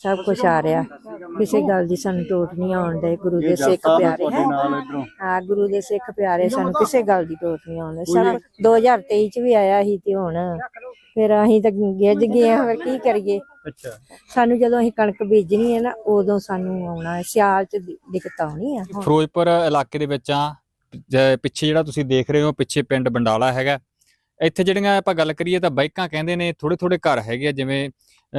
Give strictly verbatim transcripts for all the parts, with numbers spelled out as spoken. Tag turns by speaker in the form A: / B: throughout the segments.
A: सब कुछ आ रहा, किसी गल दी सानू टोट नहीं आउण दे। गुरु दे सिख प्यारे हैं, हाँ गुरु दे सिख प्यारे, सानू किसी गल दी टोट नहीं आउण दे। सब दो हज़ार तेई च भी आया ही ते हुण फिर असीं तां गिੱਝ गए हां, फिर की करिए। अच्छा, सानू जदों असीं कणक बीजनी है ना उदों सानू आउणा है, सियाल च दिक्कत आउणी है।
B: ਫਿਰੋਜ਼ਪੁਰ ਇਲਾਕੇ ਦੇ ਵਿੱਚ ਆ ਪਿੱਛੇ ਜਿਹੜਾ ਤੁਸੀਂ ਦੇਖ ਰਹੇ ਹੋ, ਪਿੱਛੇ ਪਿੰਡ ਬੰਡਾਲਾ ਹੈਗਾ। ਇੱਥੇ ਜਿਹੜੀਆਂ ਆਪਾਂ ਗੱਲ ਕਰੀਏ ਤਾਂ ਬਾਈਕਾਂ ਕਹਿੰਦੇ ਨੇ ਥੋੜੇ ਥੋੜੇ ਘਰ ਹੈਗੇ ਆ, ਜਿਵੇਂ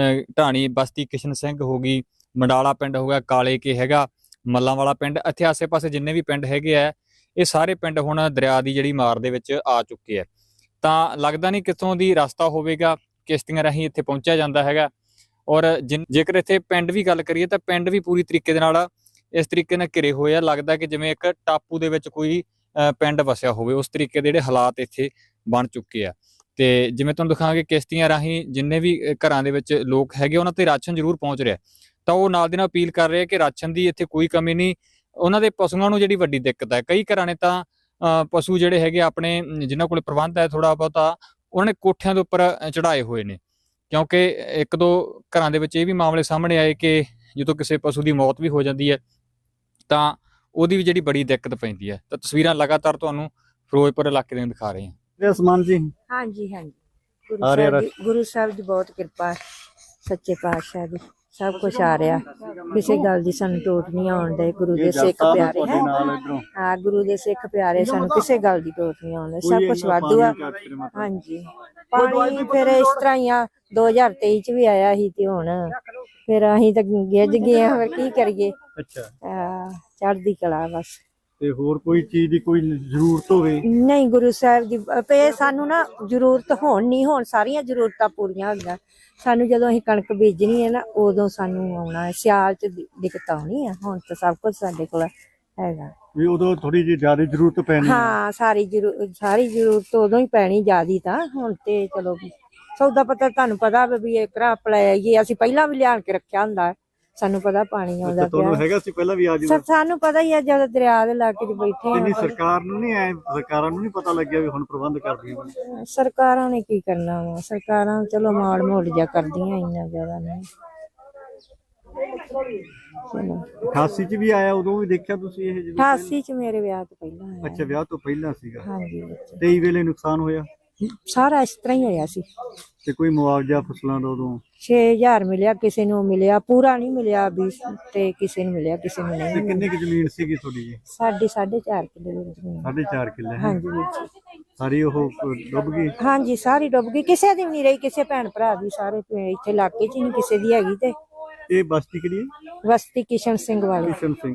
B: ਢਾਣੀ ਬਸਤੀ ਕਿਸ਼ਨ ਸਿੰਘ ਹੋ ਗਈ, ਮੰਡਾਲਾ ਪਿੰਡ ਹੋ ਗਿਆ, ਕਾਲੇ ਕੇ ਹੈਗਾ, ਮੱਲਾਂ ਵਾਲਾ ਪਿੰਡ। ਇੱਥੇ ਆਸੇ ਪਾਸੇ ਜਿੰਨੇ ਵੀ ਪਿੰਡ ਹੈਗੇ ਆ ਇਹ ਸਾਰੇ ਪਿੰਡ ਹੁਣ ਦਰਿਆ ਦੀ ਜਿਹੜੀ ਮਾਰ ਦੇ ਵਿੱਚ ਆ ਚੁੱਕੇ ਆ। ਤਾਂ ਲੱਗਦਾ ਨਹੀਂ ਕਿੱਥੋਂ ਦੀ ਰਸਤਾ ਹੋਵੇਗਾ, ਕਿਸ਼ਤੀਆਂ ਰਾਹੀਂ ਇੱਥੇ ਪਹੁੰਚਿਆ ਜਾਂਦਾ ਹੈਗਾ। ਔਰ ਜਿ ਜੇਕਰ ਇੱਥੇ ਪਿੰਡ ਵੀ ਗੱਲ ਕਰੀਏ ਤਾਂ ਪਿੰਡ ਵੀ ਪੂਰੀ ਤਰੀਕੇ ਦੇ ਨਾਲ ਇਸ ਤਰੀਕੇ ਨਾਲ ਘਿਰੇ ਹੋਏ ਆ। ਲੱਗਦਾ ਕਿ ਜਿਵੇਂ ਇੱਕ ਟਾਪੂ ਦੇ ਵਿੱਚ ਕੋਈ ਪਿੰਡ ਵਸਿਆ ਹੋਵੇ, ਉਸ ਤਰੀਕੇ ਦੇ ਜਿਹੜੇ ਹਾਲਾਤ ਇੱਥੇ ਬਣ ਚੁੱਕੇ ਆ। ਤੇ ਜਿਵੇਂ ਤੁਹਾਨੂੰ ਦਿਖਾਵਾਂਗੇ ਕਿਸ਼ਤੀਆਂ ਰਾਹੀਂ ਜਿੰਨੇ ਵੀ ਘਰਾਂ ਦੇ ਵਿੱਚ ਲੋਕ ਹੈਗੇ ਉਹਨਾਂ ਤੇ ਰਾਸ਼ਨ ਜ਼ਰੂਰ ਪਹੁੰਚ ਰਿਹਾ। ਤਾਂ ਉਹ ਨਾਲ ਦੀ ਨਾਲ ਅਪੀਲ ਕਰ ਰਹੇ ਕਿ ਰਾਸ਼ਨ ਦੀ ਇੱਥੇ ਕੋਈ ਕਮੀ ਨਹੀਂ। ਉਹਨਾਂ ਦੇ ਪਸ਼ੂਆਂ ਨੂੰ ਜਿਹੜੀ ਵੱਡੀ ਦਿੱਕਤ ਹੈ, ਕਈ ਘਰਾਂ ਨੇ ਤਾਂ ਪਸ਼ੂ ਜਿਹੜੇ ਹੈਗੇ ਆਪਣੇ ਜਿਨ੍ਹਾਂ ਕੋਲ ਪ੍ਰਬੰਧ ਹੈ ਥੋੜਾ ਬਹੁਤਾ, ਉਹਨਾਂ ਨੇ ਕੋਠਿਆਂ ਦੇ ਉੱਪਰ ਚੜਾਏ ਹੋਏ ਨੇ। ਕਿਉਂਕਿ ਇੱਕ ਦੋ ਘਰਾਂ ਦੇ ਵਿੱਚ ਇਹ ਵੀ ਮਾਮਲੇ ਸਾਹਮਣੇ ਆਏ ਕਿ ਜਦੋਂ ਕਿਸੇ ਪਸ਼ੂ ਦੀ ਮੌਤ ਵੀ ਹੋ ਜਾਂਦੀ ਹੈ ਤਾਂ ਉਹਦੀ ਵੀ ਜਿਹੜੀ ਬੜੀ ਦਿੱਕਤ ਪੈਂਦੀ ਹੈ। ਤਾਂ ਤਸਵੀਰਾਂ ਲਗਾਤਾਰ ਤੁਹਾਨੂੰ ਫਿਰੋਜ਼ਪੁਰ ਇਲਾਕੇ ਦੀਆਂ ਦਿਖਾ ਰਹੇ ਹਾਂ।
A: ਸਮਾਨ ਜੀ ਹਾਂਜੀ ਹਾਂਜੀ ਗੁਰੂ ਸਾਹਿਬ ਦੀ ਗੁਰੂ ਸਾਹਿਬ ਦੀ ਬਹੁਤ ਕਿਰਪਾ, ਸੱਚੇ ਪਾਤਸ਼ਾਹ ਦੀ सब कुछ आ रहा, किसी गल दी सानू टोट नहीं आउण दे। गुरु दे सिख प्यारे हैं, हाँ गुरु दे सिख प्यारे, सानू किसी गल दी टोट नहीं आउण दे। सब कुछ वाधू आ। हाँ जी पानी फिर इस तरह ही आ, दो हज़ार तेई च भी आया ही ते हुण फिर असीं तां गिੱਝ गए हां, फिर की करिए। अच्छा चढ़दी कला बस।
C: ਤੇ ਹੋਰ ਕੋਈ ਚੀਜ਼ ਦੀ ਕੋਈ ਜ਼ਰੂਰਤ ਹੋਵੇ?
A: ਨਹੀਂ ਗੁਰੂ ਸਾਹਿਬ ਦੀ ਤੇ ਸਾਨੂੰ ਨਾ ਜ਼ਰੂਰਤ ਹੋਣ ਨਹੀਂ, ਹੋਣ ਸਾਰੀਆਂ ਜ਼ਰੂਰਤਾਂ ਪੂਰੀਆਂ ਹੁੰਦੀਆਂ। ਸਾਨੂੰ ਜਦੋਂ ਅਸੀਂ ਕਣਕ ਬੀਜਣੀ ਹੈ ਨਾ ਉਦੋਂ ਸਾਨੂੰ ਆਉਣਾ ਹੈ, ਸਿਆਲ ਚ ਦਿੱਕਤ ਆਉਣੀ ਹੈ। ਹੁਣ ਤਾਂ ਸਭ ਕੁਝ ਸਾਡੇ ਕੋਲ ਹੈਗਾ,
C: ਵੀ ਉਦੋਂ ਥੋੜੀ ਜਿਹੀ ਜ਼ਿਆਦਾ ਜ਼ਰੂਰਤ ਪੈਣੀ।
A: ਹਾਂ ਸਾਰੀ ਜ਼ਰੂਰ ਸਾਰੀ ਜ਼ਰੂਰਤ ਉਦੋਂ ਹੀ ਪੈਣੀ ਜ਼ਿਆਦੀ। ਤਾਂ ਹੁਣ ਤੇ ਚਲੋ ਸੌਦਾ ਪਤਾ ਤੁਹਾਨੂੰ ਪਤਾ ਵੀ ਇੱਕ ਰਾ ਪਲਾਈਏ ਅਸੀਂ ਪਹਿਲਾਂ ਵੀ ਲਿਆਣ ਕੇ ਰੱਖਿਆ ਹੁੰਦਾ, ਸਾਨੂੰ ਪਤਾ ਪਾਣੀ ਆਉਂਦਾ
C: ਪਿਆ ਹੈਗਾ ਸੀ ਪਹਿਲਾਂ ਵੀ। ਆ ਜੀ
A: ਸਾਨੂੰ ਪਤਾ ਹੀ ਆ, ਜਦੋਂ ਦਰਿਆ ਦੇ ਇਲਾਕੇ 'ਚ ਬੈਠੇ
C: ਆ। ਸਰਕਾਰ ਨੂੰ ਨਹੀਂ ਐ, ਸਰਕਾਰਾਂ ਨੂੰ ਨਹੀਂ ਪਤਾ ਲੱਗਿਆ ਵੀ ਹੁਣ ਪ੍ਰਬੰਧ ਕਰਦੀਆਂ?
A: ਸਰਕਾਰਾਂ ਨੇ ਕੀ ਕਰਨਾ ਵਾ, ਸਰਕਾਰਾਂ ਚਲੋ ਮਾੜ ਮੋੜ ਜਿਹਾ ਕਰਦੀਆਂ, ਇੰਨਾ ਜ਼ਿਆਦਾ ਨਹੀਂ।
C: ਅਠਾਸੀ ਚ ਵੀ ਆਇਆ, ਉਦੋਂ ਵੀ ਦੇਖਿਆ ਤੁਸੀਂ ਇਹ?
A: ਅਠਾਸੀ ਚ ਮੇਰੇ ਵਿਆਹ ਤੋਂ ਪਹਿਲਾਂ ਆਇਆ।
C: ਅੱਛਾ ਵਿਆਹ ਤੋਂ ਪਹਿਲਾਂ ਸੀਗਾ।
A: ਹਾਂਜੀ
C: ਤੇਈ ਵੇਲੇ ਨੁਕਸਾਨ ਹੋਇਆ
A: ਸਾਰਾ ਇਸ ਤਰ੍ਹਾਂ ਹੀ ਹੋਇਆ ਸੀ।
C: ਤੇ ਕੋਈ ਮੁਆਵਜ਼ਾ ਫਸਲਾਂ ਦਾ ਉਦੋਂ?
A: ਛੇ ਹਜ਼ਾਰ ਮਿਲਿਆ, ਕਿਸੇ ਨੂੰ ਮਿਲਿਆ, ਪੂਰਾ ਨਹੀਂ ਮਿਲਿਆ ਵੀ, ਤੇ ਕਿਸੇ ਨੂੰ ਮਿਲਿਆ, ਕਿਸੇ ਨੂੰ ਨਹੀਂ।
C: ਕਿੰਨੀ ਕੁ ਜ਼ਮੀਨ ਸੀਗੀ ਤੁਹਾਡੀ ਜੀ?
A: ਸਾਡੀ ਸਾਢੇ ਚਾਰ ਕਿੱਲੇ ਜ਼ਮੀਨ।
C: ਸਾਢੇ ਚਾਰ ਕਿੱਲੇ?
A: ਹਾਂਜੀ ਵੀਰ ਜੀ।
C: ਸਾਰੀ ਉਹ ਡੁੱਬ ਗਈ?
A: ਹਾਂਜੀ ਸਾਰੀ ਡੁੱਬ ਗਈ, ਕਿਸੇ ਦੀ ਵੀ ਨਹੀਂ ਰਹੀ, ਕਿਸੇ ਭੈਣ ਭਰਾ ਦੀ। ਸਾਰੇ ਇੱਥੇ ਇਲਾਕੇ 'ਚ ਹੀ ਨਹੀਂ ਕਿਸੇ ਦੀ ਹੈਗੀ। ਤੇ
C: ਇਹ ਬਸਤੀ ਕਿਹੜੀ ਹੈ?
A: ਬਸਤੀ ਕਿਸ਼ਨ ਸਿੰਘ ਵਾਲੀ।
C: ਕਿਸ਼ਨ ਸਿੰਘ